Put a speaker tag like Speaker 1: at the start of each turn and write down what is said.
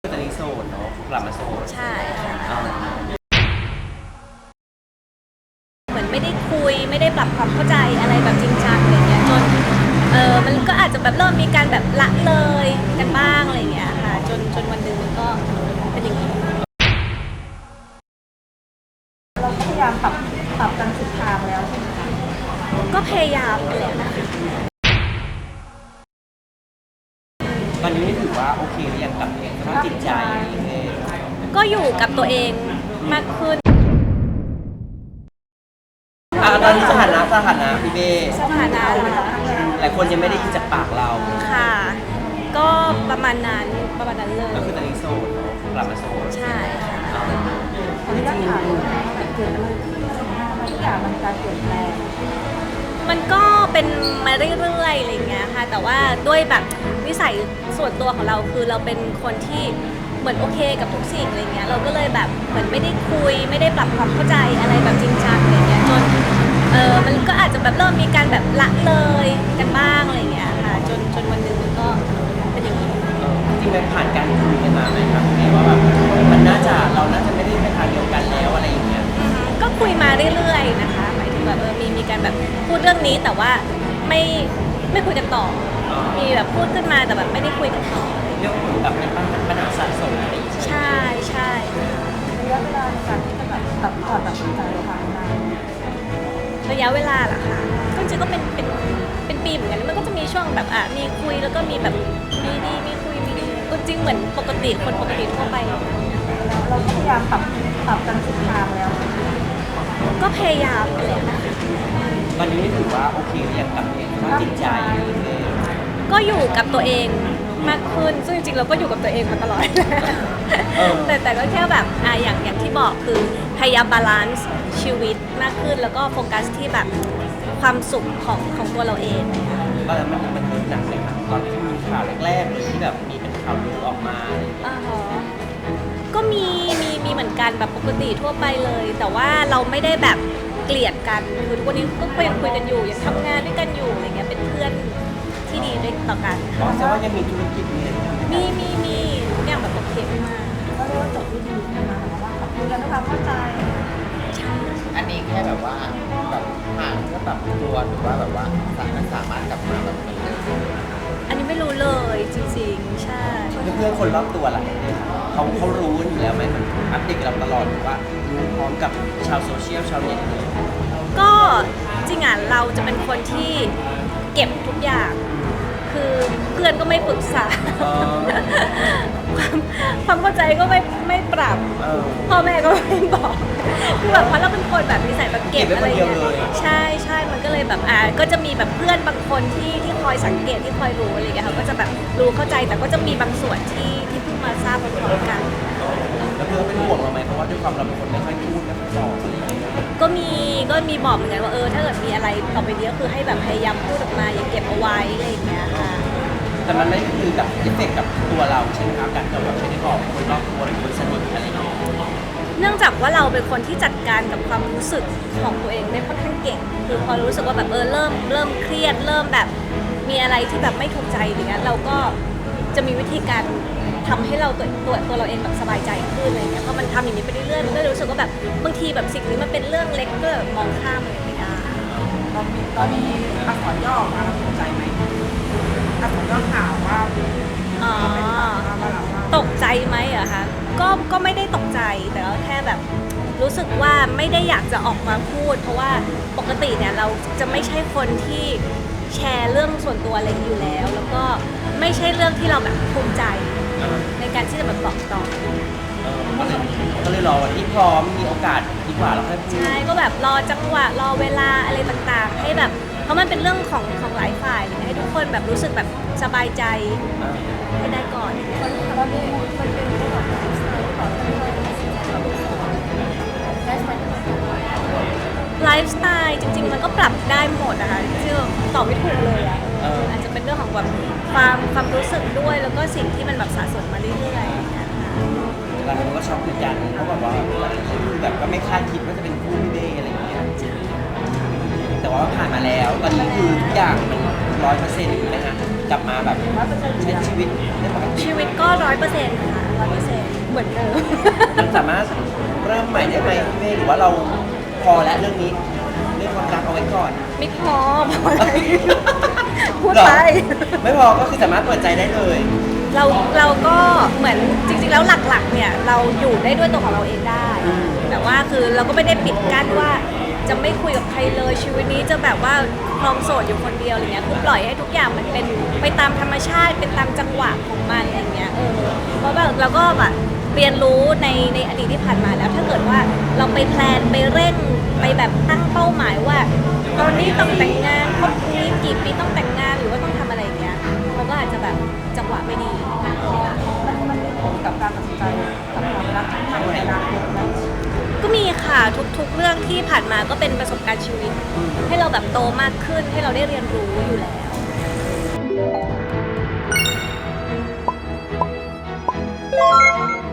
Speaker 1: ตอนนี้โสดเนาะกลับมาโสด
Speaker 2: ใช่ค่ะ
Speaker 1: อ่า
Speaker 2: เหมือนไม่ได้คุยไม่ได้ปรับความเข้าใจอะไรแบบจริงจังอะไรเงี้ยจนมันก็อาจจะแบบเริ่มมีการแบบละเลยกันบ้างอะไรเงี้ยค่ะจนวันหนึ่งมันก็เป็นอย่างนี้
Speaker 3: เราก็พยายามปรับกันสุดทางแล้วใช่ไหมคะ
Speaker 2: ก็พยายามแหละนะคะ
Speaker 1: ตอนนี้นี่ถือว่าโอเคหรือยังกับสภาพจิตใจเอง
Speaker 2: ก็อยู่กับตัวเองมากขึ้น
Speaker 1: ตอนนี้สถานะพี่เบ้
Speaker 2: สถานะนะคะ
Speaker 1: หลายคนยังไม่ได้ยินจากปากเรา
Speaker 2: ค่ะ ก็ประมาณนั้นเลย
Speaker 1: ก็คือตอนนี้โสดเนาะกลับมาโสด
Speaker 2: ใช่ค่ะ
Speaker 1: อ่า
Speaker 3: ตอนนี้ก็ถามว่าแบบเกิดอะไรขึ้นอะไรเงี้ยทุกอย่างมันการเปลี่ยนแปลง
Speaker 2: มันก็เป็นมาเรื่อยๆอะไรเงี้ยค่ะแต่ว่าด้วยแบบนิสัยส่วนตัวของเราคือเราเป็นคนที่เหมือนโอเคกับทุกสิ่งอะไรเงี้ยเราก็เลยแบบเหมือนไม่ได้คุยไม่ได้ปรับความเข้าใจอะไรแบบจริงจังอะไรเงี้ยจนมันก็อาจจะแบบเริ่มมีการแบบละเลยกันบ้างอะไรเงี้ยค่ะจนวันหนึ่งมันก็เป็นอย่างนี้
Speaker 1: จริงๆมันผ่านการคุยกันมาไหมครับพี่เบ้ว่าแบบมันเราน่าจะไม่ได้ไปทางเดียวกันแล้วอะไรอย่างเงี้ย
Speaker 2: ก็คุยมาเรื่อยๆนะคะหมายถึงแบบมีการแบบพูดเรื่องนี้แต่ว่าไม่คุยกันต่อมีแบบพูดขึ้นมาแต่แบบไม่ได้คุยกันต่อ
Speaker 1: เรื่องแบบเป็นปัญหาสะสมอะไรอย่างเงี้ย
Speaker 2: ใช่
Speaker 3: ระยะเวลาในการที่จะแบบตัดสินใจทางนาน
Speaker 2: ระยะเวลาเหรอคะก็จริงๆก็เป็นปีเหมือนกันมันก็จะมีช่วงแบบมีคุยแล้วก็มีแบบมีดีมีคุยมีดีก็จริงเหมือนปกติคนปกติทั่วไป
Speaker 3: แล้วเราก็พยายามปรับกันสุดทางแล้ว
Speaker 2: ก็พยายามแหละนะคะ
Speaker 1: ตอนนี้นี่ถือว่าโอเคหรือยังกับสภาพจิตใจเอง
Speaker 2: ก็อยู่กับตัวเองมากขึ้นซึ่งจริงๆเราก็อยู่กับตัวเองมาตลอดแต่ก็แค่แบบอย่างที่บอกคือพยายามบาลานซ์ชีวิตมากขึ้นแล้วก็โฟกัสที่แบบความสุขของตัวเราเอง
Speaker 1: ตอนนั้นมันเกิดหนักเลยครับตอนที่มีข่าวแรกๆเลยที่แบบมีเป็นข่าวลือออกมาอะไรอย่างเงี้ย
Speaker 2: ก็มีเหมือนกันแบบปกติทั่วไปเลย แต่ว่าเราไม่ได้แบบเกลียดกันคือทุกวันนี้ก็ยังคุยกันอยู่ยังทำงานด้วยกันอยู่อะไรเงี้ยเป็นเพื่อนที่ดีด้วยต่อกัน
Speaker 1: แสดงว่ายังมีธุรกิจ
Speaker 2: มีเนี่ยแบบโอเคมาก
Speaker 3: ก็เรียกว่าจบด้วยดีนะคะแต่ว่าคุยกันด้วยความเข้าใจ
Speaker 4: อันนี้แค่แบบว่าแบบห่างก็แบบตัวหรือว่าแบบว่าสามารถกลับมาแบบเหมือนเดิม
Speaker 2: อันนี้ไม่รู้เลยจริงๆใช่
Speaker 1: เพื่อนคนรอบตัวล่ะเขารู้อยู่แล้วไหมมันอัปเดตกับเราตลอดหรือว่ารู้พร้อมกับชาวโซเชียลชาวเน็ตเลย
Speaker 2: ก็จริงอ่ะเราจะเป็นคนที่เก็บทุกอย่างคือเพื่อนก็ไม่ปรึกษาความเข้าใจก็ไม่ปรับพ่อแม่ก็ไม่บอกคือแบบเพราะเราเป็นคนแบบนิสัยแบบเก็บอะไรอย่างเงี้ยใช่มันก็เลยแบบก็จะมีแบบเพื่อนบางคนที่คอยสังเกตที่คอยรู้อะไรอย่างเงี้ยเขาก็จะแบบรู้เข้าใจแต่ก็จะมีบางส่วนที่เพิ่งมาทราบพร้อมกัน
Speaker 1: แล้วเพื่อนเป็นห่วงเราไหมเพราะว่าด้วยความเราเป็นคนไม่ค่อยพูดไม่ค่อยบอกอะไรอย่างเงี้ย
Speaker 2: ก็มีบอกเหมือนกันว่าถ้าเกิดมีอะไรต่อไปนี้ก็คือให้แบบพยายามพูดออกมาอย่าเก็บเอาไว้อะไรอย่างเงี้ยค่ะ
Speaker 1: แต่มันไม่คือกับเอฟเฟกต์กับตัวเราใช่ไหมครับการที่เราแบบไม่ได้บอกคนรอบตัวหรือคนสนิทอะไรอย่างเงี้ย
Speaker 2: เนื่องจากว่าเราเป็นคนที่จัดการกับความรู้สึกของตัวเองได้ค่อนข้างเก่งคือพอรู้สึกว่าแบบเริ่มเครียดเริ่มแบบมีอะไรที่แบบไม่ถูกใจอย่างเงี้ยเราก็จะมีวิธีการทำให้เราตัวเราเองแบบสบายใจขึ้นอะไรเงี้ยพอมันทำอย่างนี้ไปเรื่อยๆมันก็รู้สึกว่าแบบบางทีแบบสิ่งนี้มันเป็นเรื่องเล็กก็แบบมองข้ามเลยไม่ได้
Speaker 3: ตอนนี้อักษรย่อออกมาเราตกใจไหมอักษรย่อข่าวว่า
Speaker 2: ตกใจไหมอะคะก็ไม่ได้ตกใจแต่ก็แค่แบบรู้สึกว่าไม่ได้อยากจะออกมาพูดเพราะว่าปกติเนี่ยเราจะไม่ใช่คนที่แชร์เรื่องส่วนตัวอะไรอยู่แล้วแล้วก็ไม่ใช่เรื่องที่เราแบบภูมิใจในการที่จะแบบบอกต่อ
Speaker 1: ก็เลยรอวันที่พร้อมมีโอกาสดีกว่าแล้วค่อยพูด
Speaker 2: ใช่ก็แบบรอจังหวะรอเวลาอะไรต่างๆให้แบบเพราะมันเป็นเรื่องของหลายฝ่ายให้ทุกคนแบบรู้สึกแบบสบายใจให้ได้ก่อน
Speaker 3: มันเป็นเรื่องของ
Speaker 2: ไลฟ์สไตล์จริงๆมันก็ปรับได้หมดนะคะที่ตอบไม่ถูกเลยอะอาจจะเป็นเรื่องของแบบความรู้สึกด้วยแล้วก็สิ่งที่มันแบบสะสมมาเรื่อยๆ
Speaker 1: แล้วมันก็ช็อกเหมือนกันเพราะแบบว่าคือแบบก็ไม่คาดคิดว่าจะเป็นคู่พี่เบ้อะไรอย่างเงี้ยแต่ว่าผ่านมาแล้วตอนนี้คือทุกอย่างมัน100%นะฮะกลับมาแบบใช้ชีวิตได้ปกติ
Speaker 2: ชีวิตก็100%ค่ะ100%เหมือนเดิม
Speaker 1: มันสามารถเริ่มใหม่ได้ไหมพี่เมย์หรือว่าเราพอแล้วเรื่องนี้เรื่องความรักเอาไว้ก่อน
Speaker 2: ไม่พออะไรพูดไป
Speaker 1: เหรอไม่พอก็คือสามารถเปิดใจได้เลย
Speaker 2: เราก็เหมือนจริงๆแล้วหลักๆเนี่ยเราอยู่ได้ด้วยตัวของเราเองได้ แต่ว่าคือเราก็ไม่ได้ปิดกั้นว่าจะไม่คุยกับใครเลยชีวิตนี้จะแบบว่าครองโสดอยู่คนเดียวอะไรเงี้ยคือปล่อยให้ทุกอย่างมันเป็นไปตามธรรมชาติเป็นตามจังหวะของมันอะไรเงี้ยเพราะแบบเราก็แบบเรียนรู้ในอดีตที่ผ่านมาแล้วถ้าเกิดว่าเราไปแพลนไปเร่งไปแบบตั้งเป้าหมายว่า ตอนนี้ต้องแต่งงานครบนี้กี่ปีต้องแต่งงานหรือว่าต้องทำอะไรอย่างเงี้ยมันก็อาจจะแบบจังหวะไม่ดี
Speaker 3: มันมีผลกับการตัดสินใจกับความรักทั้งในอนาคตไหม
Speaker 2: ก็มีค่ะทุกๆเรื่องที่ผ่านมาก็เป็นประสบการณ์ชีวิต ให้เราแบบโตมากขึ้นให้เราได้เรียนรู้อยู่แล้ว